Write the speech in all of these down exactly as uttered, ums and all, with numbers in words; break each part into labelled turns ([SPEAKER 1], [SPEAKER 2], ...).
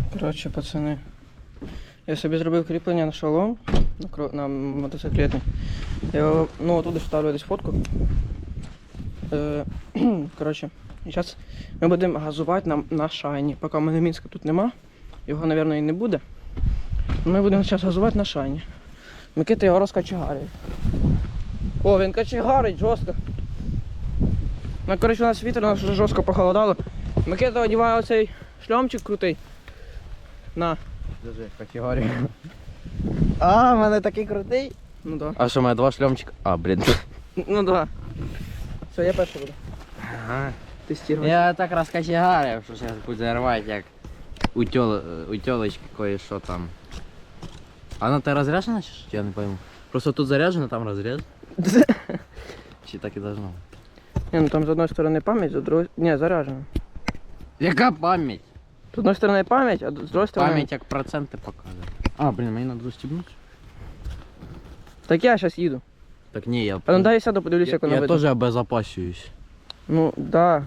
[SPEAKER 1] Коротше, пацани, я собі зробив кріплення на шолом, на, кро... на мотоциклетний. Я його, ну, туди вставлю десь фотку. Е... Коротше, і зараз ми будемо газувати на, на шайні. Поки в мене Мінська тут нема, його, мабуть, і не буде. Ми будемо зараз газувати на шайні. Микита його розкачегарить. О, він качегарить жорстко. Ну, коротше, у нас вітер, у нас вже жорстко похолодало. Микита одягає оцей шльомчик крутий. На.
[SPEAKER 2] Держи, категорію. А, в мене такий крутий.
[SPEAKER 1] Ну да.
[SPEAKER 2] А що, у мене два шльомчика? А, блін.
[SPEAKER 1] Ну да. Все, я перший буду.
[SPEAKER 2] Ага.
[SPEAKER 1] Тестувати.
[SPEAKER 2] Я так розкачегарив, що зараз буде рвати, як у, тьол... у тьолочки кое-що там. А вона ти розряджена чи що? Я не пойму. Просто тут заряджено, там розряд. Чи так і должно бути?
[SPEAKER 1] Не, ну там з одної сторони пам'ять, з другої... Не, заряджено.
[SPEAKER 2] Яка пам'ять?
[SPEAKER 1] З одної сторони пам'ять, а з другої сторони...
[SPEAKER 2] Пам'ять як проценти показує. А, блін, мені треба застібнути.
[SPEAKER 1] Так я зараз їду.
[SPEAKER 2] Так ні, я...
[SPEAKER 1] А ну дай я сяду, подивлюся,
[SPEAKER 2] я,
[SPEAKER 1] як воно
[SPEAKER 2] я
[SPEAKER 1] видно.
[SPEAKER 2] теж обезопасююсь.
[SPEAKER 1] Ну, да.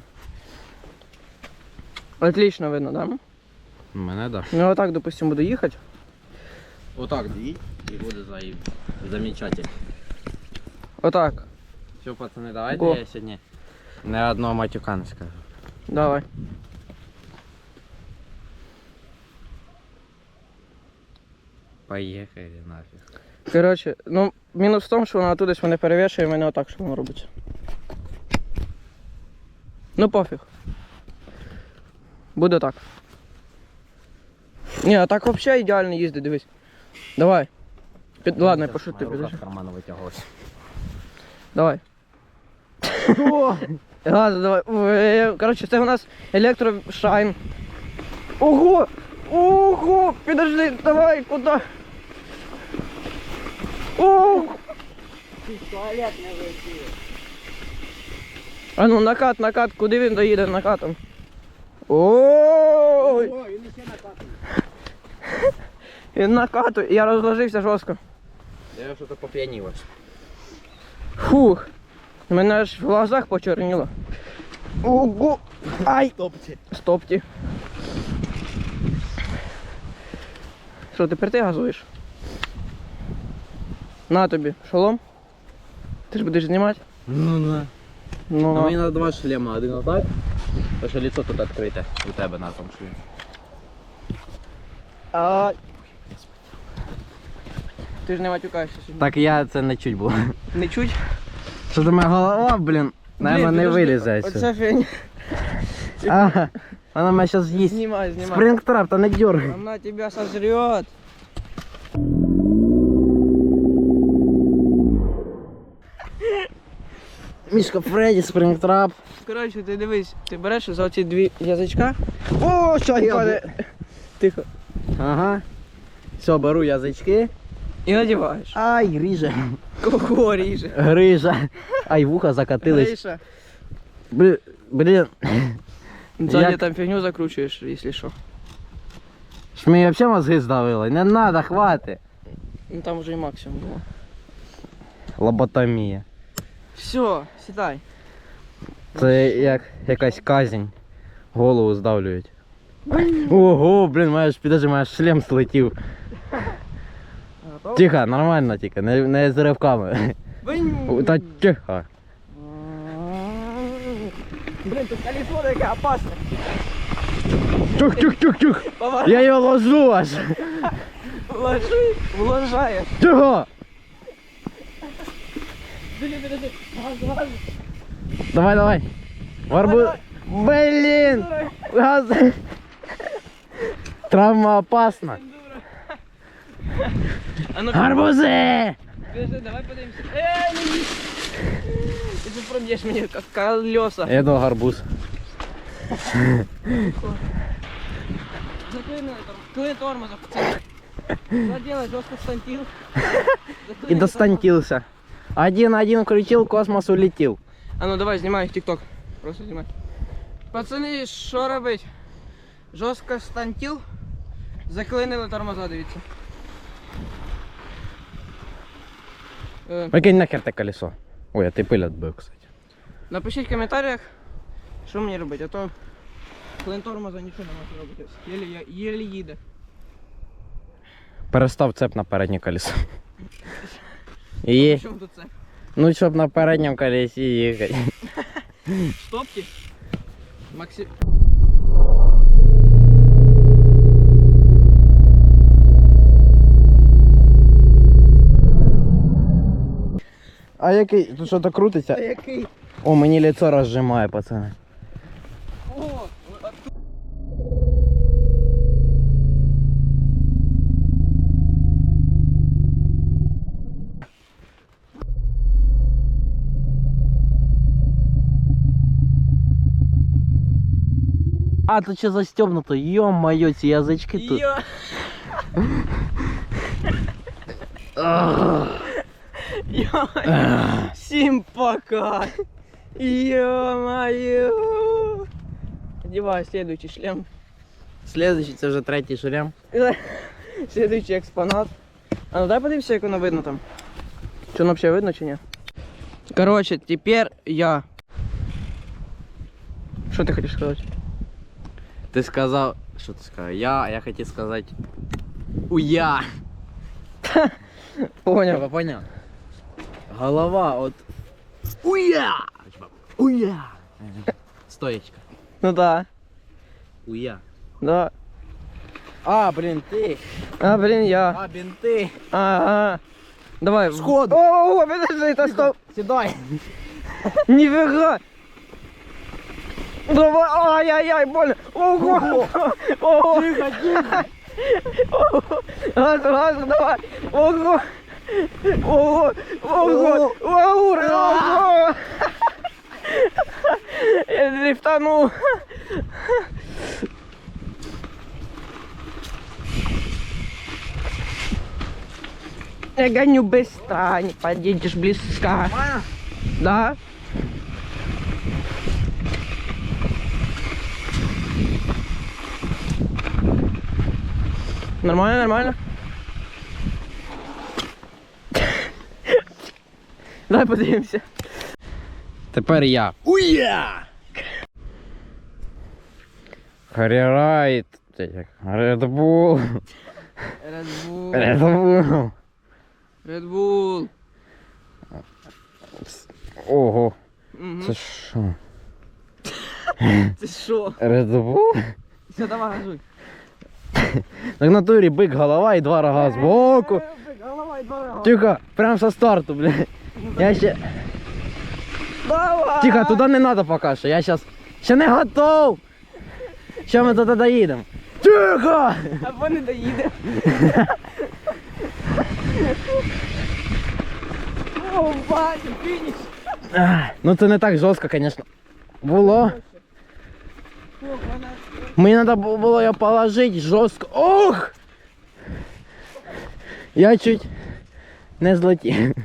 [SPEAKER 1] Отлично видно, да?
[SPEAKER 2] Мене, да.
[SPEAKER 1] Ну, отак, допустим, буду їхати.
[SPEAKER 2] Отак дві і буде заїб. Замечательно.
[SPEAKER 1] Отак.
[SPEAKER 2] Все, пацани, давайте
[SPEAKER 1] Го.
[SPEAKER 2] я сьогодні не одного матюка не скажу.
[SPEAKER 1] Давай.
[SPEAKER 2] Поїхали нафіг.
[SPEAKER 1] Коротше, ну, мінус в тому, що вона туди мене перевішує, і мене отак, що воно робиться. Ну, пофіг. Буде так. Ні, а так взагалі ідеально їздить, дивись. Давай. Під... Ладно, я пошути, підожди.
[SPEAKER 2] з карману витягувався.
[SPEAKER 1] Давай. Газ, давай. Ой, коротше, це у нас електрошайн. Ого! Ого! Підожди, давай, куди? Ого!
[SPEAKER 2] Туалет не вийти.
[SPEAKER 1] А ну, накат, накат, куди він доїде накатом? Ой!
[SPEAKER 2] О, він ще накатує.
[SPEAKER 1] Він накатує, я розложився жорстко.
[SPEAKER 2] Я щось поп'яніло.
[SPEAKER 1] Фух. Мене аж в глазах почорніло. Ого! Ай!
[SPEAKER 2] Стопці.
[SPEAKER 1] Стопті. Що, тепер ти газуєш? На тобі, шолом? Ти ж будеш знімати?
[SPEAKER 2] Ну, на.
[SPEAKER 1] Ну,
[SPEAKER 2] Ну, мені треба два шлема, один отак, тому що лицо тут відкрите у тебе на тому шлемі.
[SPEAKER 1] а... Ти ж не матюкаєшся сьогодні.
[SPEAKER 2] Так я це не чуть було.
[SPEAKER 1] Не чуть?
[SPEAKER 2] Що до мене голова, блін, наверное, не
[SPEAKER 1] підожди,
[SPEAKER 2] вилізе.
[SPEAKER 1] Оце фігня.
[SPEAKER 2] Ага, вона мене зараз з'їсть.
[SPEAKER 1] Знімай, знімай.
[SPEAKER 2] Спрингтрап, та не дергай.
[SPEAKER 1] Она тебя сожрет.
[SPEAKER 2] Мішка Фредді, спрингтрап.
[SPEAKER 1] Коротше, ти дивись, ти береш за оці дві язичка.
[SPEAKER 2] О, що
[SPEAKER 1] Падає. Тихо.
[SPEAKER 2] Ага. Все, беру язички.
[SPEAKER 1] І надіваєш.
[SPEAKER 2] Ай, ріже.
[SPEAKER 1] Кого ріже?
[SPEAKER 2] Грижа. Ай, вуха закатились.
[SPEAKER 1] Гриша.
[SPEAKER 2] Блін, блін.
[SPEAKER 1] Сзади
[SPEAKER 2] Як-
[SPEAKER 1] там фігню закручуєш, якщо що.
[SPEAKER 2] Ж мені взагалі мозги здавили. Не надо, хвати.
[SPEAKER 1] Ну там вже і максимум було.
[SPEAKER 2] Лоботомія.
[SPEAKER 1] Все, сідай.
[SPEAKER 2] Це як якась казнь. Голову здавлюють. Ого, блін, маєш, підожди, маєш шлем слетів.
[SPEAKER 1] Готов?
[SPEAKER 2] Тихо, нормально тільки, не, не з ривками.
[SPEAKER 1] Бинь.
[SPEAKER 2] Та тихо.
[SPEAKER 1] Блин, тут колесо таке опасне.
[SPEAKER 2] Тюх, тюх, тюх, тюх.
[SPEAKER 1] Поворот.
[SPEAKER 2] Я його ложу аж.
[SPEAKER 1] Вложи, вложаєш.
[SPEAKER 2] Тихо.
[SPEAKER 1] Подожди, подожди. Газ, газ.
[SPEAKER 2] Давай, давай. Варбу... Блін. Газ. Травма опасна.
[SPEAKER 1] А ну,
[SPEAKER 2] Гарбузи.
[SPEAKER 1] подожди, давай подивимося. Ей, не їсть. Ти же проб'єш мені як колеса.
[SPEAKER 2] Я думав гарбуз.
[SPEAKER 1] Заклини там, клини тормозом. Заделай жестко стантил.
[SPEAKER 2] И достантился. Один-один крутил, космос улетел.
[SPEAKER 1] А ну давай, знімай тік-ток. Просто знімай. Пацани, що робить? Жорстко стантил. Заклинили тормоза, дивіться. Е,
[SPEAKER 2] Викинь нахер те колесо. Ой, а ти пиль отбив, кстати.
[SPEAKER 1] Напишіть в коментарях, що мені робити, а то Клин тормоза нічого не може робити. Єлі, єлі їде.
[SPEAKER 2] Перестав цеп на переднє колесо. І...
[SPEAKER 1] В чому тут це?
[SPEAKER 2] Ну, щоб на передньому колесі їхати.
[SPEAKER 1] Стопки? Максим...
[SPEAKER 2] А який? Тут що-то крутиться?
[SPEAKER 1] А який?
[SPEAKER 2] О, мені лицо розжимає, пацани.
[SPEAKER 1] О!
[SPEAKER 2] А, тут ще застегнуто, ё-моё, ці язички тут.
[SPEAKER 1] Йо! Йо! Всім пока! Ё-моё! Одеваю следующий шлем.
[SPEAKER 2] Следующий, це вже третій шлем.
[SPEAKER 1] Следующий експонат. А ну дай подивимося, як воно видно там. Чи воно взагалі видно, чи ні? Короче, тепер я. Що ти хочеш сказати?
[SPEAKER 2] Ти сказав, що ти сказав? Я, а я хотів сказати уя.
[SPEAKER 1] Поняв.
[SPEAKER 2] Поняв? Голова от уя. Уя. Стоечка.
[SPEAKER 1] Ну да.
[SPEAKER 2] Уя.
[SPEAKER 1] Да.
[SPEAKER 2] А, блін, ти.
[SPEAKER 1] А, блін, я.
[SPEAKER 2] А, бінти.
[SPEAKER 1] Ага. Давай.
[SPEAKER 2] Сходу.
[SPEAKER 1] О, о, подожди, та стоп.
[SPEAKER 2] Сідай.
[SPEAKER 1] Нифига. Давай, ай-яй-яй, больно. Ого. Ого.
[SPEAKER 2] Тихо, тихо.
[SPEAKER 1] Газ, газ, давай. Ого. Ого. Ого. Ого. Ого. Я дрифтанул. Я гоню быстро, не подъедешь близко. Да? Нормально, нормально. Давай подивимося.
[SPEAKER 2] Тепер я. Уя! Харірайт. Редбул.
[SPEAKER 1] Red Bull.
[SPEAKER 2] Редбул.
[SPEAKER 1] Red Bull.
[SPEAKER 2] Ого.
[SPEAKER 1] Угу.
[SPEAKER 2] Це що?
[SPEAKER 1] Це що?
[SPEAKER 2] Редбул?
[SPEAKER 1] Все, давай, газуй.
[SPEAKER 2] Так в натурі бик голова і два рога збоку.
[SPEAKER 1] Голова і два рога.
[SPEAKER 2] Тихо, прям со старту, блядь. Я ще...
[SPEAKER 1] Давай!
[SPEAKER 2] Тихо, туди не треба поки що, я зараз... Ще не готов! Що ми туди доїдемо? Тихо!
[SPEAKER 1] Або не доїде. О, бачу, фініш.
[SPEAKER 2] Ах, ну це не так жорстко, звісно. Було.
[SPEAKER 1] Ох, вона...
[SPEAKER 2] Мені треба було його положити жорстко. Ох! Я чуть не злетів.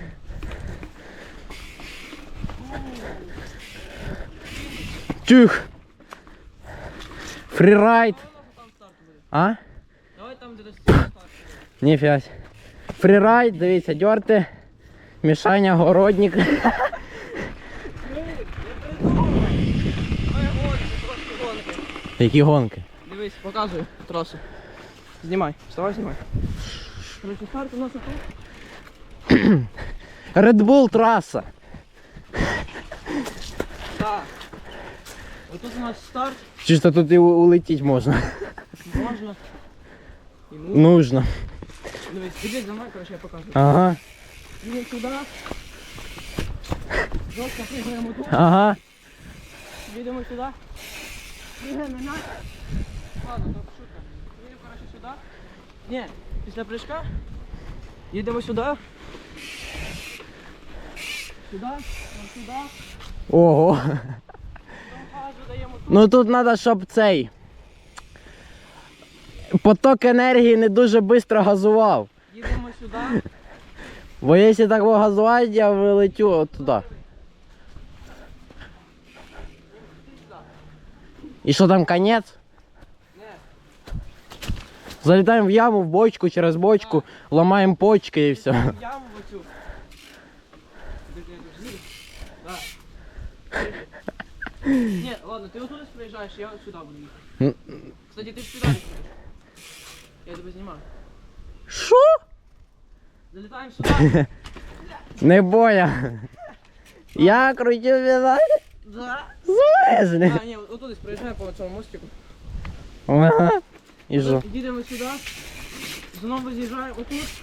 [SPEAKER 2] Тюх! Фрірайд! А?
[SPEAKER 1] Давай там, де достигнеш старт.
[SPEAKER 2] Ніфіга. Фрірайд, дивіться, дьорти. Мішаня, городник.
[SPEAKER 1] Ой, гонки, трошки гонки.
[SPEAKER 2] Які гонки?
[SPEAKER 1] Дивись, показую трасу. Знімай, вставай, знімай. Короче, старт у нас тут.
[SPEAKER 2] Red Bull траса.
[SPEAKER 1] Так. Отут у нас старт.
[SPEAKER 2] Чисто тут і у- улетіть можна.
[SPEAKER 1] Можна. І ну.
[SPEAKER 2] Нужно.
[SPEAKER 1] Дивись, іди за мною, короче, я покажу.
[SPEAKER 2] Ага.
[SPEAKER 1] Їдемо сюди. Жорстко пригаємо тут.
[SPEAKER 2] Ага.
[SPEAKER 1] Їдемо сюди. Пригаємо на. Ладно, то шутка. Їдемо, короче, сюди. Ні, після прыжка. Їдемо сюди. Сюди, ось сюди.
[SPEAKER 2] Ого.
[SPEAKER 1] Потім газу даємо тут.
[SPEAKER 2] Ну тут треба, щоб цей поток енергії не дуже швидко газував.
[SPEAKER 1] Їдемо сюди.
[SPEAKER 2] Бо якщо так газувати, я вилетю от туди. І що там, кінець?
[SPEAKER 1] Не.
[SPEAKER 2] Залітаємо в яму, в бочку, через бочку, ламаємо почки і все.
[SPEAKER 1] Яму в оцю. Подожди, я тут з'їду. Да. Ні, ладно, ти отуди приїжджаєш, я от сюди буду їхати. Кстати, ти ж сюди не приїжджаєш. Я тебе знімаю.
[SPEAKER 2] Що?
[SPEAKER 1] Залітаємо сюди.
[SPEAKER 2] Не боя. Я крутю педаль.
[SPEAKER 1] Да.
[SPEAKER 2] Звезли.
[SPEAKER 1] А, ні, отуди приїжджаємо по цьому мостику.
[SPEAKER 2] Ага. І що?
[SPEAKER 1] Їдемо сюди. Знову з'їжджаємо отут.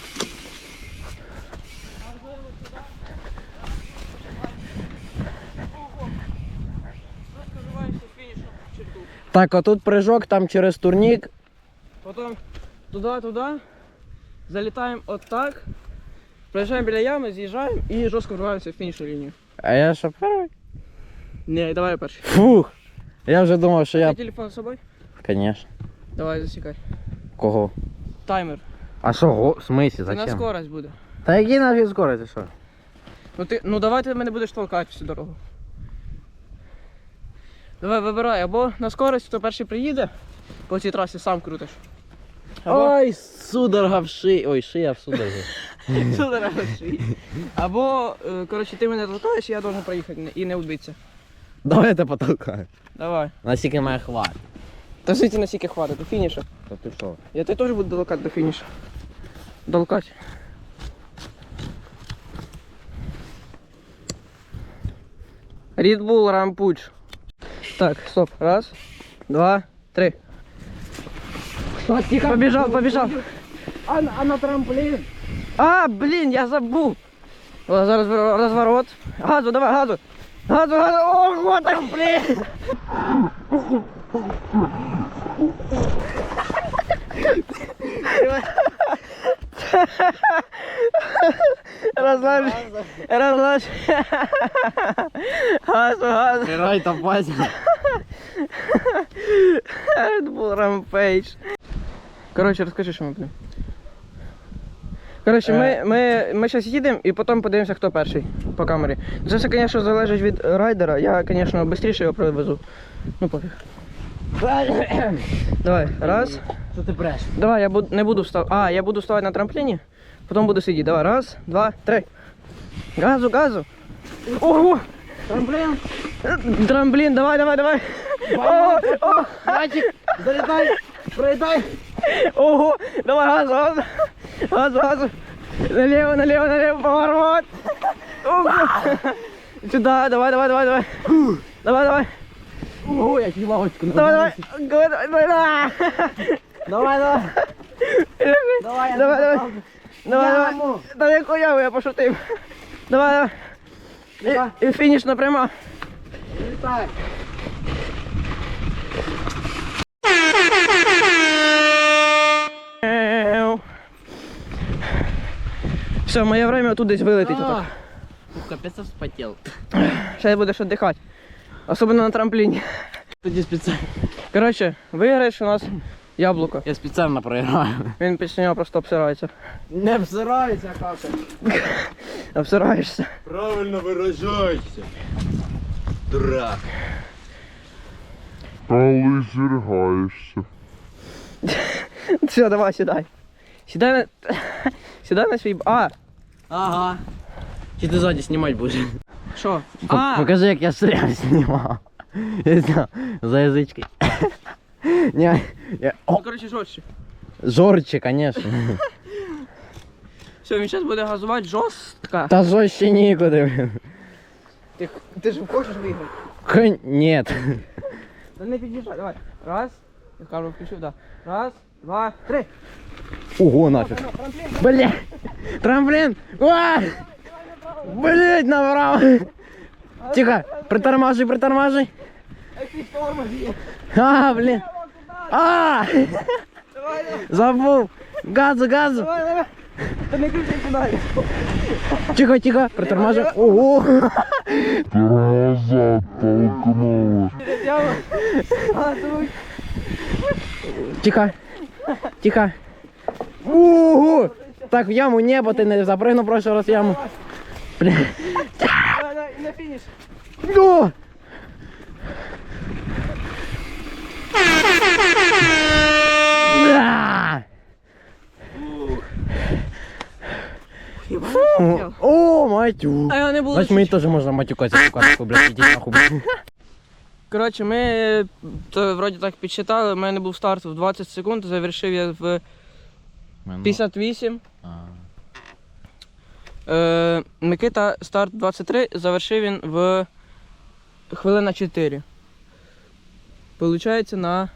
[SPEAKER 2] Так, а тут прыжок, там через турник.
[SPEAKER 1] Потім туди, туди. Залітаємо отак. Приїжджаємо біля ями, з'їжджаємо і жорстко вриваємося в фінішну лінію.
[SPEAKER 2] А я що перший?
[SPEAKER 1] Ні, давай перший.
[SPEAKER 2] Фух. Я вже думав, що
[SPEAKER 1] Я...
[SPEAKER 2] я...
[SPEAKER 1] телефон з собою?
[SPEAKER 2] Конечно.
[SPEAKER 1] Давай засікай.
[SPEAKER 2] Кого?
[SPEAKER 1] Таймер.
[SPEAKER 2] А що, го- в смысле,
[SPEAKER 1] Це на
[SPEAKER 2] зачем?
[SPEAKER 1] скорость буде.
[SPEAKER 2] Та який нафіг скорость, ти що?
[SPEAKER 1] Ну ти, ну давай ти мене будеш толкати всю дорогу. Давай вибирай, або на скорость, хто перший приїде, по цій трасі сам крутиш. Або,
[SPEAKER 2] Ой, судорога в шиї. Ой, шия в судорозі.
[SPEAKER 1] Судорога в шиї. Або, е, коротше, ти мене толкаєш, і я должен проїхати не- і не вбитися.
[SPEAKER 2] Давай я тебе потолкаю.
[SPEAKER 1] Давай.
[SPEAKER 2] Наскільки має хват.
[SPEAKER 1] Та життя настільки хватить, до фінішу.
[SPEAKER 2] Та ти що?
[SPEAKER 1] Я тебе теж буду долкати до фінішу. Долкати. Red Bull Rampage. Так, стоп. Раз, два, три. Побежал, побежал.
[SPEAKER 2] А, а на трамплін?
[SPEAKER 1] А, блин, я забыл. О, зараз разворот. Газу, давай, газу. Газу, газу. Ого, там, блин. Разлажь, разлажь. Газу, газу.
[SPEAKER 2] Герой та базі.
[SPEAKER 1] Red Bull Rampage. Коротше, розкажи, що ми будемо. Коротше, ми, ми, ми зараз їдемо і потім подивимося, хто перший по камері. Це все, звісно, залежить від райдера. Я, звісно, швидше його привезу. Ну пофіг. Давай, раз.
[SPEAKER 2] Що ти бреш?
[SPEAKER 1] Давай, я буду, не буду вставати. А, я буду вставати на трампліні, потім буду сидіти. Давай, раз, два, три. Газу, газу. Ого!
[SPEAKER 2] Трамплін?
[SPEAKER 1] Трамплін, давай, давай, давай. О, о,
[SPEAKER 2] Мальчик, залітай, проїдай.
[SPEAKER 1] ого, давай, газу, газу. Газу, газу. Налево, налево, налево, поворот. Ого. Сюда, давай, давай, давай, давай. Давай, давай.
[SPEAKER 2] Ой, я чуть лавочку не
[SPEAKER 1] Давай, давай. Давай, давай, давай.
[SPEAKER 2] Давай, давай.
[SPEAKER 1] Давай, давай. Давай, давай.
[SPEAKER 2] Яму.
[SPEAKER 1] Та яку яму, я пошутив. Давай, давай. І, і фінішна пряма.
[SPEAKER 2] Так.
[SPEAKER 1] Все, моє время тут десь вилетить. отак.
[SPEAKER 2] Капець я вспотів.
[SPEAKER 1] Ще будеш віддихати. Особливо на трампліні.
[SPEAKER 2] Тоді спеціально.
[SPEAKER 1] Коротше, виграєш у нас яблуко.
[SPEAKER 2] Я спеціально проіграю.
[SPEAKER 1] Він після нього просто обсирається.
[SPEAKER 2] Не всирається, кака.
[SPEAKER 1] Обсираєшся.
[SPEAKER 3] Правильно выражайся, дурак.
[SPEAKER 4] Коли зіргаєшся.
[SPEAKER 1] Все, давай, сідай. Сідай на... Сідай на свій... А,
[SPEAKER 2] Ага. Чи ти ззаді знімати будеш?
[SPEAKER 1] що?
[SPEAKER 2] По-
[SPEAKER 1] А,
[SPEAKER 2] Покажи, як я стрім знімав. Я знав, за язички. Ні, я...
[SPEAKER 1] ну,
[SPEAKER 2] О,
[SPEAKER 1] коротше, жорстче.
[SPEAKER 2] жорстче, конечно.
[SPEAKER 1] Все, він зараз буде газувати жорстко.
[SPEAKER 2] Та жорстче нікуди, блін.
[SPEAKER 1] Ти, ти ж хочеш виграти?
[SPEAKER 2] Конь... Нет.
[SPEAKER 1] Та не під'їжджай, давай. Раз. Я камеру включив, да. Раз, два, три.
[SPEAKER 2] Ого, нафіг. Бля. Трамплін. А! Блять, направо. Тихо, притормаживай, притормаживай.
[SPEAKER 1] Який тормоз є.
[SPEAKER 2] А, блин. А!
[SPEAKER 1] Давай, давай,
[SPEAKER 2] Забув. Газу, газу.
[SPEAKER 1] давай, давай. Та не кричи сюди.
[SPEAKER 2] Тихо, тихо, притормаживай. Ого.
[SPEAKER 4] Назад толкнула.
[SPEAKER 1] Газуй.
[SPEAKER 2] Тихо. Тихо. Ого. Так, в яму не, бо ти не запрыгнув в прошлый раз в яму. Бля.
[SPEAKER 1] Давай, давай, і на фініш.
[SPEAKER 2] О! Да! Фу. О, матюк.
[SPEAKER 1] А я не буду
[SPEAKER 2] Значит, мне тоже можно матюкаться, сука, такой, блядь, иди нахуй, блядь.
[SPEAKER 1] Коротше, ми то, вроді так підсчитали, у мене був старт в двадцять секунд, завершив я в п'ятдесят вісім.
[SPEAKER 2] А.
[SPEAKER 1] Е, Микита старт двадцять три, завершив він в хвилина чотири. Получається на...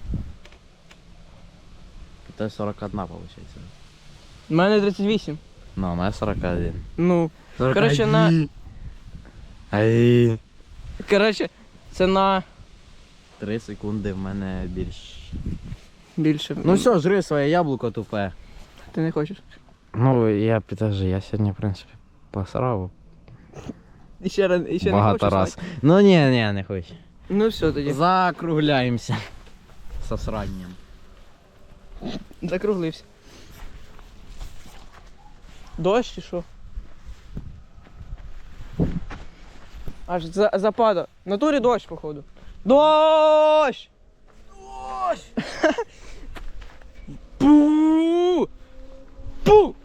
[SPEAKER 2] Это сорок одна получается.
[SPEAKER 1] У мене тридцять вісім.
[SPEAKER 2] Ну, у меня сорок один.
[SPEAKER 1] Ну, коротше, на...
[SPEAKER 2] Ай.
[SPEAKER 1] Коротше, це на
[SPEAKER 2] Три секунди в мене більш.
[SPEAKER 1] більше.
[SPEAKER 2] Ну все, жри своє яблуко тупе.
[SPEAKER 1] Ти не хочеш?
[SPEAKER 2] Ну, я підожди, я сьогодні, в принципі, посрав
[SPEAKER 1] І ще, раз- і ще не
[SPEAKER 2] багато
[SPEAKER 1] хочеш?
[SPEAKER 2] раз.
[SPEAKER 1] Слайк?
[SPEAKER 2] Ну ні, ні, не хочу.
[SPEAKER 1] Ну все тоді.
[SPEAKER 2] Закругляємося. Со сранням.
[SPEAKER 1] Закруглився. Дощ чи що? Аж за, запада. В натурі дощ, походу. Дощ! Дощ! Пу! Пу!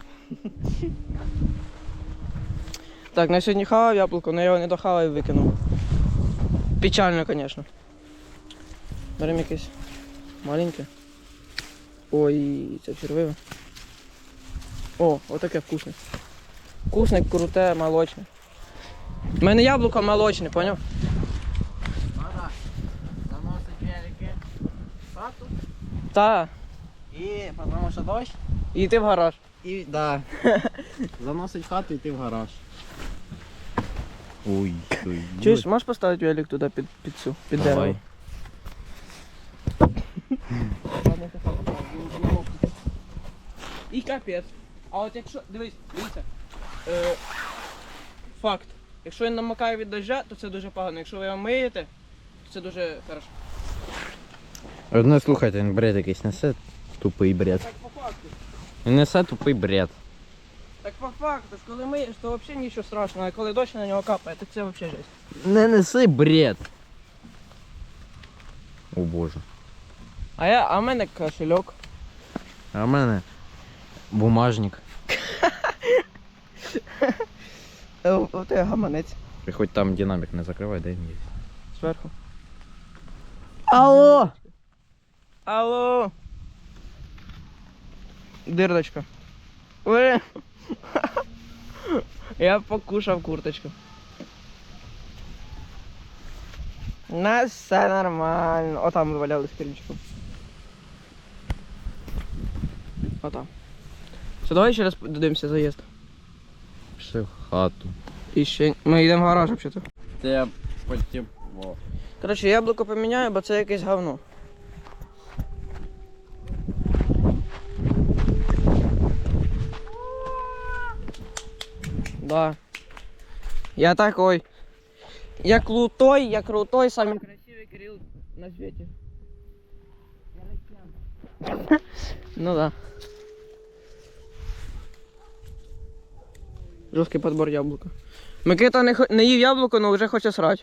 [SPEAKER 1] Так, на сьогодні хавав яблуко, але я його не дохавав і викинув. Печально, звісно. Беремо якесь маленьке. Ой, це червиве. О, отаке вкусне. Вкусне, круте, молочне. У мене яблуко молочне, поняв?
[SPEAKER 2] Надо заносить велики в хату.
[SPEAKER 1] Та.
[SPEAKER 2] І тому що дощ.
[SPEAKER 1] І йти в гараж.
[SPEAKER 2] І да. Заносить в хату і йти в гараж. Ой, ой.
[SPEAKER 1] Чуєш, можеш поставити велик туди під, під цю, під
[SPEAKER 2] Давай.
[SPEAKER 1] дерево? І капець. А от якщо, дивись, дивіться. Е, факт. Якщо він намокає від дождя, то це дуже погано. Якщо ви його миєте, то це дуже хорошо.
[SPEAKER 2] Одне слухайте, він бред якийсь несе. Тупий бред.
[SPEAKER 1] Так по факту.
[SPEAKER 2] Він несе тупий бред.
[SPEAKER 1] Так по факту, ж коли миєш, то взагалі нічого страшного, а коли дощ на нього капає, то це взагалі жесть.
[SPEAKER 2] Не неси бред. О боже.
[SPEAKER 1] А я, а в мене кошельок.
[SPEAKER 2] А в мене бумажник.
[SPEAKER 1] О, ти гаманець.
[SPEAKER 2] І хоч там динамік не закривай, дай мені.
[SPEAKER 1] Зверху.
[SPEAKER 2] Алло!
[SPEAKER 1] Алло. Дирдочка. Ой. Я покушав курточку. У нас все нормально. О, там валялись керівчиком. О, там. Все, давай ще раз додивимося заїзд.
[SPEAKER 2] Пішли в хату.
[SPEAKER 1] І ще... Ми йдемо в гараж, взагалі.
[SPEAKER 2] Те потепло.
[SPEAKER 1] Коротше, яблуко поміняю, бо це якесь говно. Да. Я такой. Я крутой, я крутой, самый красивый Кирилл на свете. Ну да. Жорсткий подбор яблука. Микита не, хо- не їв яблуко, але вже хоче срати.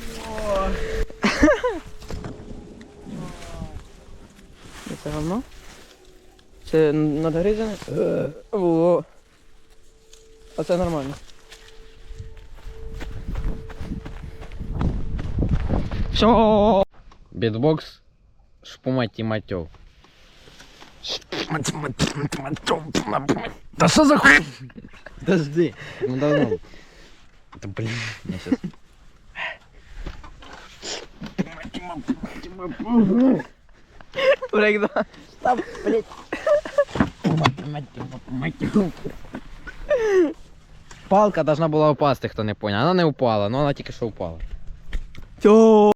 [SPEAKER 1] Це говно? Це надгризане? О. А це нормально. Все.
[SPEAKER 2] Бітбокс шпуматі матьов. Да что за хуй? Подожди. Ну давно. Да блин, я сейчас.
[SPEAKER 1] Брейкдан.
[SPEAKER 2] Да, блядь. Палка должна была упасть, кто не понял. Она не упала, но она только что упала.
[SPEAKER 1] Все.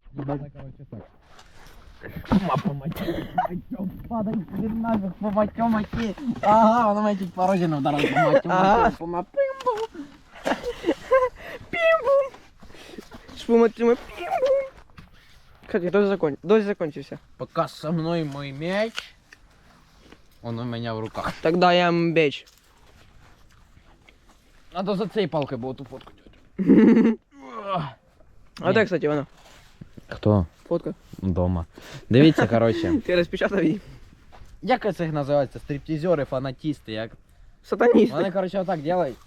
[SPEAKER 2] Ага, вона мене чуть по розіну вдарила по матю.
[SPEAKER 1] Ага. Пім-бум. Шпуматиме. Пім-бум. Кстати, дождь закон... дождь закончился.
[SPEAKER 2] Пока со мной мой мяч, он у меня в руках.
[SPEAKER 1] Тогда я мбеч.
[SPEAKER 2] Надо за цією палкою було ту фотку делать.
[SPEAKER 1] А де, кстати, вона?
[SPEAKER 2] Хто?
[SPEAKER 1] Фотка.
[SPEAKER 2] Дома. Дивіться, коротше.
[SPEAKER 1] Ти розпечатав її.
[SPEAKER 2] Як це їх називається? Стриптизери, фанатісти, як?
[SPEAKER 1] Сатаніст.
[SPEAKER 2] Вони, коротше, отак роблять.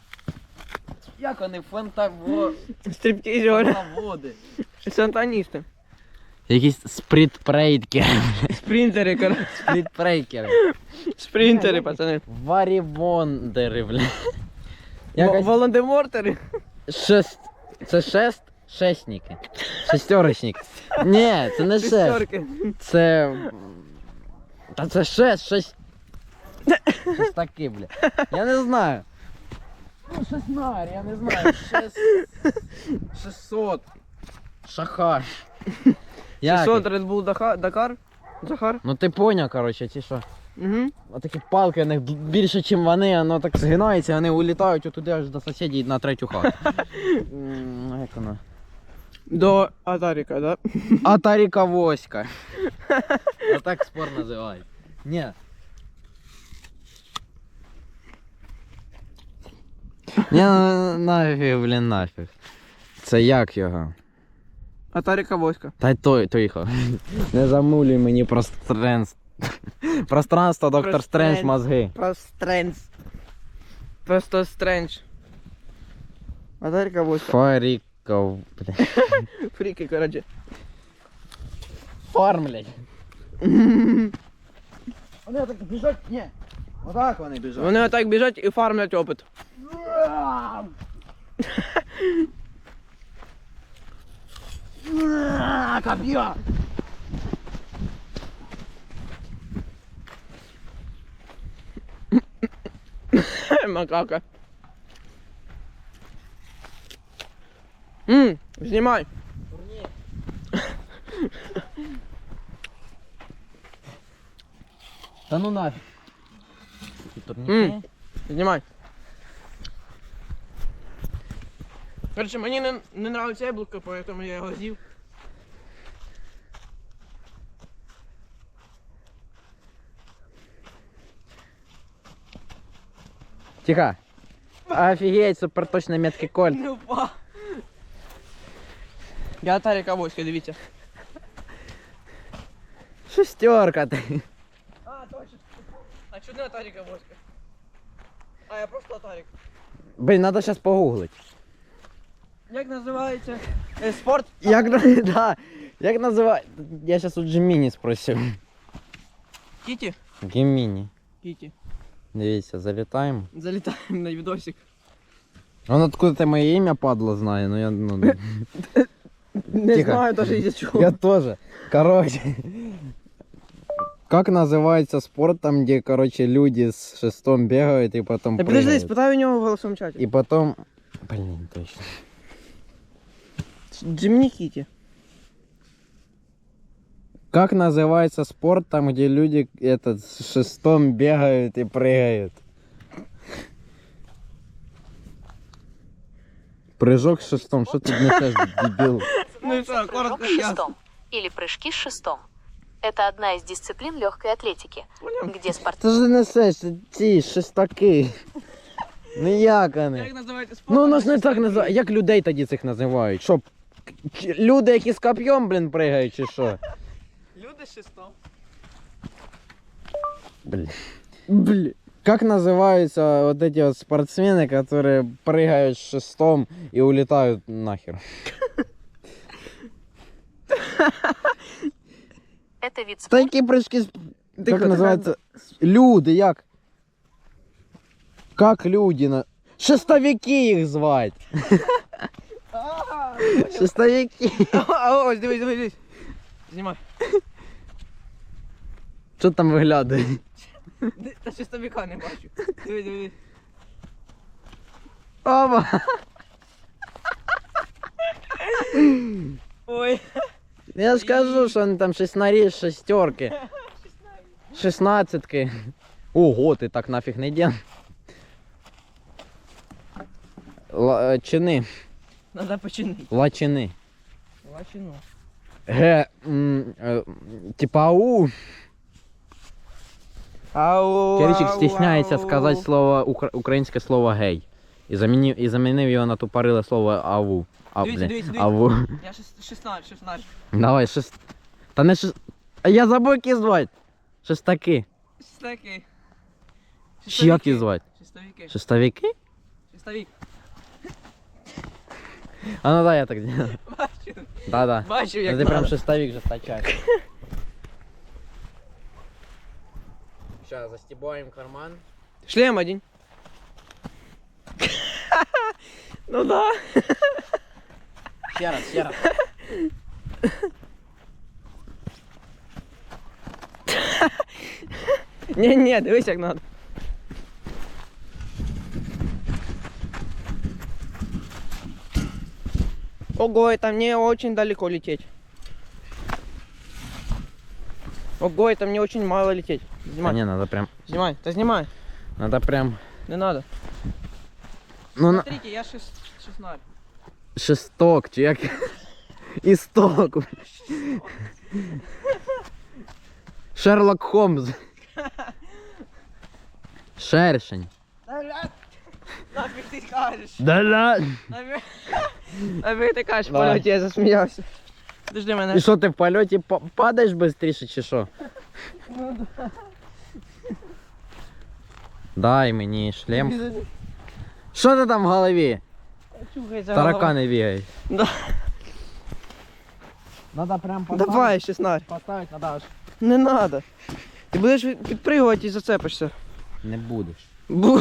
[SPEAKER 2] Як вони фантаво...
[SPEAKER 1] Стриптизер.
[SPEAKER 2] фантаводи.
[SPEAKER 1] Сатаністи.
[SPEAKER 2] Якісь спритпрейткери.
[SPEAKER 1] Спринтери, коротше.
[SPEAKER 2] Спритпрейкери.
[SPEAKER 1] Спринтери, пацани.
[SPEAKER 2] Варівондери, бля.
[SPEAKER 1] Во-
[SPEAKER 2] Якось
[SPEAKER 1] Волан-де-Мортери.
[SPEAKER 2] шест... Це шест... Шестники. Шестерочник. Ні, це не шест.
[SPEAKER 1] Шестерки.
[SPEAKER 2] Це... Та це шест, шесть... Щось таке, бля. Я не знаю. Ну, шестнар, я не знаю. Шест... Шестьсот. Шахар. Як?
[SPEAKER 1] шестьсот Red Bull Daha- Dakar. Захар.
[SPEAKER 2] Ну ти поняв, коротше, ці що.
[SPEAKER 1] Угу.
[SPEAKER 2] Отакі палки, у них більше, ніж вони, воно так згинається, вони улітають отуди аж до сусідів на третю хату. М, Як воно?
[SPEAKER 1] До Атаріка, да?
[SPEAKER 2] Атаріка Воська. Отак спорт називають. Ні. Ні, ну, нафіг, блін, нафіг. Це як його?
[SPEAKER 1] Атаріка Воська.
[SPEAKER 2] Та й той, той його. Не замулюй мені пространство. Пространство, доктор Стрендж, мозги.
[SPEAKER 1] Просто Стрендж. Просто Стрендж. Атаріка Воська.
[SPEAKER 2] Фаріков, бля.
[SPEAKER 1] Фріки, коротше.
[SPEAKER 2] Фармлять. Вони так біжать, ні. Отак вони біжать.
[SPEAKER 1] Вони отак біжать і фармлять опит.
[SPEAKER 2] Коп'я!
[SPEAKER 1] Макака. Ммм, знімай.
[SPEAKER 2] Та ну нафіг.
[SPEAKER 1] Ммм, знімай. Короче, мені не, не нравиться яблуко, поэтому я його з'їв.
[SPEAKER 2] Тихо. Офігеть, суперточний меткий кольт.
[SPEAKER 1] Не впав. Я Атаріка Воська, дивіться.
[SPEAKER 2] Шестерка ти.
[SPEAKER 1] А, точно. А чого не Атаріка Воська? А, я просто Атарік.
[SPEAKER 2] Блін, треба зараз погуглити.
[SPEAKER 1] Як називається? Е, спорт?
[SPEAKER 2] Як, на- да. Як називається? Я зараз у Джиміні спросив.
[SPEAKER 1] Кіті?
[SPEAKER 2] Геміні.
[SPEAKER 1] Кіті.
[SPEAKER 2] Дивіться, залітаємо.
[SPEAKER 1] Залітаємо на відосик.
[SPEAKER 2] Он откуда ти моє ім'я падло знає, ну я ну.
[SPEAKER 1] Не
[SPEAKER 2] Тихо.
[SPEAKER 1] знаю даже із-за чого.
[SPEAKER 2] Я тоже. Короче. Как называется спорт там, где, короче, люди с шестом бегают и потом
[SPEAKER 1] Та подожди,
[SPEAKER 2] прыгают?
[SPEAKER 1] спитай у нього в голосовому чаті.
[SPEAKER 2] И потом... Блин, точно.
[SPEAKER 1] Джимні Кіті.
[SPEAKER 2] Как называется спорт там, где люди этот, с шестом бегают и прыгают? Прыжок с шестом. Что ты несешь, дебил?
[SPEAKER 1] Ну і що,
[SPEAKER 5] Прыжок
[SPEAKER 1] коротко
[SPEAKER 5] с
[SPEAKER 1] ясно.
[SPEAKER 5] шестом или прыжки с шестом. Это одна из дисциплин легкой атлетики, где спортсмены
[SPEAKER 2] Ты же несешь ці шестаки. Ну як
[SPEAKER 1] Як
[SPEAKER 2] вони?
[SPEAKER 1] називається спорт?
[SPEAKER 2] Ну воно ж не так називають. Як людей тоді цих називають? Що? к- Люди, які з коп'єм, блін, пригають, чи що?
[SPEAKER 1] Люди з шестом.
[SPEAKER 2] Блін.
[SPEAKER 1] Блін.
[SPEAKER 2] Как называются вот эти вот спортсмены, которые прыгают с шестом и улетают нахер?
[SPEAKER 5] это вид спорта.
[SPEAKER 2] Такі прыжки... с-
[SPEAKER 1] Тихо,
[SPEAKER 2] Как называется? Люди, як? Как люди на... Шестовики їх звать. Шестовики.
[SPEAKER 1] А ось, дивись, дивись, дивись. Знімай.
[SPEAKER 2] Що там виглядає?
[SPEAKER 1] Ди- Та шестовика не бачу. Дивись, дивись.
[SPEAKER 2] Оба.
[SPEAKER 1] Ой.
[SPEAKER 2] Я ж кажу, що вони там шестнарі, шестерки. Шестнадцятки. Ого, ти так нафіг не діл. Ла- чини.
[SPEAKER 1] Надо починити.
[SPEAKER 2] Лачини.
[SPEAKER 1] Лачину.
[SPEAKER 2] Ге, м, е, типа ау.
[SPEAKER 1] Ау,
[SPEAKER 2] Киричик
[SPEAKER 1] ау,
[SPEAKER 2] стісняється
[SPEAKER 1] ау.
[SPEAKER 2] сказати слово, укра- українське слово гей. І замінив, і замінив його на тупориле слово аву. А,
[SPEAKER 1] Дивіться,
[SPEAKER 2] блін,
[SPEAKER 1] дивіться, дивіться.
[SPEAKER 2] аву.
[SPEAKER 1] Я шест- шістнадцять, шістнадцять.
[SPEAKER 2] Давай, шест... Та не шест... А я забув, як їх звати. Шестаки.
[SPEAKER 1] Шестаки.
[SPEAKER 2] Чи як їх звати?
[SPEAKER 1] Шестовики.
[SPEAKER 2] Шестовики?
[SPEAKER 1] Шестовик.
[SPEAKER 2] А ну да, я так делаю.
[SPEAKER 1] Бачу. бачив.
[SPEAKER 2] Да-да.
[SPEAKER 1] Бачив,
[SPEAKER 2] Ну,
[SPEAKER 1] як
[SPEAKER 2] ти прям
[SPEAKER 1] надо.
[SPEAKER 2] шестовик же стачаєш. Сейчас застебаем карман.
[SPEAKER 1] Шлем один. Ну да.
[SPEAKER 2] Ще раз, ще раз.
[SPEAKER 1] Не-не, дивись як надо. Ого, это мне очень далеко лететь. Ого, это мне очень мало лететь.
[SPEAKER 2] А
[SPEAKER 1] Снимай,
[SPEAKER 2] не, надо прям,
[SPEAKER 1] снимай, да снимай,
[SPEAKER 2] надо прям,
[SPEAKER 1] не надо.
[SPEAKER 2] ну на...
[SPEAKER 1] Смотрите, я шест... шестнадцать.
[SPEAKER 2] Шесток, чи як? Істок. Шерлок Холмс. Шершень.
[SPEAKER 1] Нафиг ты кажешь?
[SPEAKER 2] Да-да.
[SPEAKER 1] Нафиг, нафиг ты кажешь, в
[SPEAKER 2] Давай.
[SPEAKER 1] полете я засмеялся. Подожди
[SPEAKER 2] І
[SPEAKER 1] мене.
[SPEAKER 2] що, ти в польоті па- падаєш швидше чи що? Дай мені шлем. Що ти там в голові?
[SPEAKER 1] Чухайся,
[SPEAKER 2] Таракани бігають.
[SPEAKER 1] Да.
[SPEAKER 2] Надо прям
[SPEAKER 1] Давай, шестнадцать.
[SPEAKER 2] Поставити надо аж.
[SPEAKER 1] Не надо. Ти будеш підпригувати і зацепишся.
[SPEAKER 2] Не будеш.
[SPEAKER 1] Бу.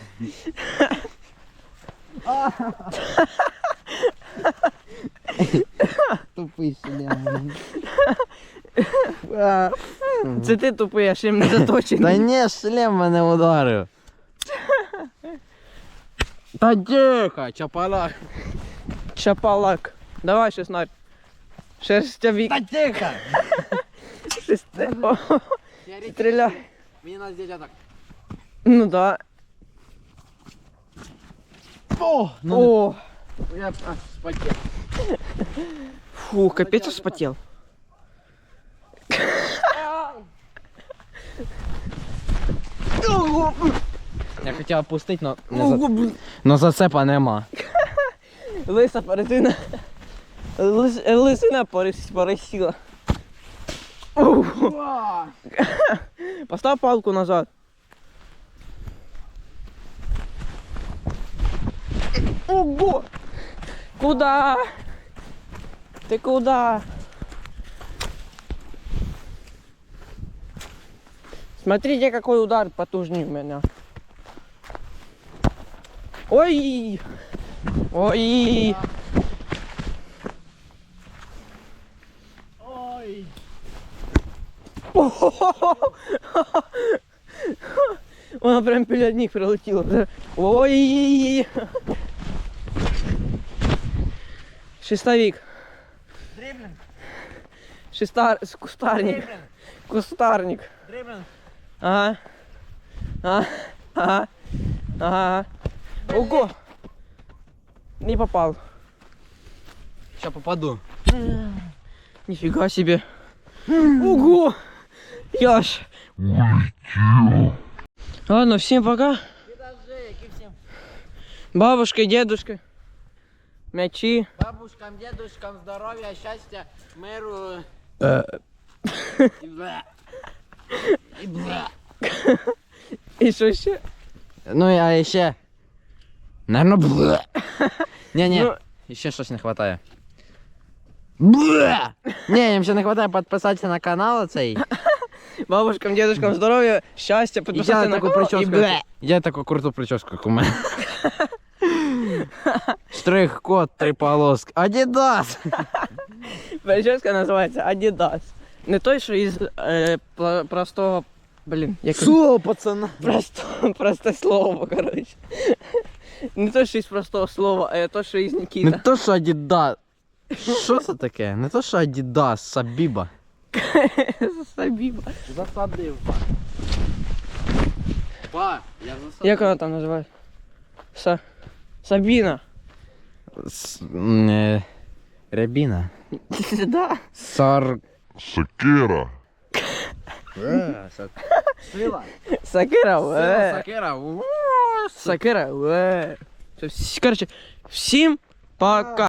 [SPEAKER 2] Тупий шлем.
[SPEAKER 1] Це ти тупий, а шлем не заточений.
[SPEAKER 2] Та ні, шлем мене ударив. Та тихо, чапалак.
[SPEAKER 1] Чапалак. Давай шестнадцать. Шерстявик.
[SPEAKER 2] Та тихо.
[SPEAKER 1] Шесте... О, Стреляй.
[SPEAKER 2] Мені надо здесь так.
[SPEAKER 1] Ну да.
[SPEAKER 2] О, ну,
[SPEAKER 1] О,
[SPEAKER 2] я аж спотів.
[SPEAKER 1] фу, капец вспотел.
[SPEAKER 2] Я хотів опустити, но, не за... но зацепа нема.
[SPEAKER 1] Лиса паразина. Лис... Лисина порис... порисила. Ух. Постав палку назад. Ого! Куда? Ты куда? Смотрите, какой удар потужнее у меня. Ой! Ой!
[SPEAKER 2] Ой.
[SPEAKER 1] Вона прям біля них прилетіла. Ой! Шестовик.
[SPEAKER 2] Дриблинг,
[SPEAKER 1] Шестар... Кустарник.
[SPEAKER 2] дриблинг,
[SPEAKER 1] Кустарник.
[SPEAKER 2] дриблинг.
[SPEAKER 1] Ага. Ага. Ага. Ага. Ого! Не попал.
[SPEAKER 2] Сейчас попаду.
[SPEAKER 1] Нифига себе. Ого! Яш.
[SPEAKER 4] Улетел.
[SPEAKER 1] Ладно, всем пока.
[SPEAKER 2] Підожди, які всім
[SPEAKER 1] Бабушка, дедушка. Мячи.
[SPEAKER 2] бабушкам, дедушкам здоров'я, щастя, миру. І бля. І бля.
[SPEAKER 1] И что еще?
[SPEAKER 2] Ну, а ще. Наверно, бля. Ні-ні,
[SPEAKER 1] Ну,
[SPEAKER 2] ще щось не хватає. Бля! Ні, їм ще не хватає підписатися на канал цей.
[SPEAKER 1] бабушкам, дедушкам здоровья, счастья,
[SPEAKER 2] І
[SPEAKER 1] подписаться
[SPEAKER 2] я
[SPEAKER 1] на
[SPEAKER 2] таку
[SPEAKER 1] канал и
[SPEAKER 2] прическу.
[SPEAKER 1] бля.
[SPEAKER 2] Я таку круту прическу, як у мене. Штрих-код, три полоски. Адідас!
[SPEAKER 1] Прическа называется Adidas. Не той, что из э, пла- простого, блин, як
[SPEAKER 2] Що, пацана?
[SPEAKER 1] просто, простое слово, короче. Не то, что из простого слова, а то, что из
[SPEAKER 2] Не
[SPEAKER 1] Никита.
[SPEAKER 2] то, що Адідас. Що це таке? Не то, що Адідас, Сабіба.
[SPEAKER 1] Сабиба.
[SPEAKER 2] Засадив. Па, я засадив.
[SPEAKER 1] Як вона там називається? Са... Сабіна.
[SPEAKER 2] С- м, е, Рябіна.
[SPEAKER 1] Да.
[SPEAKER 2] Сар...
[SPEAKER 4] Сакера.
[SPEAKER 2] Сила.
[SPEAKER 1] Сакира,
[SPEAKER 2] Сила
[SPEAKER 1] э.
[SPEAKER 2] Сакера. У,
[SPEAKER 1] Сакира, э. Всё, Короче, всем пока.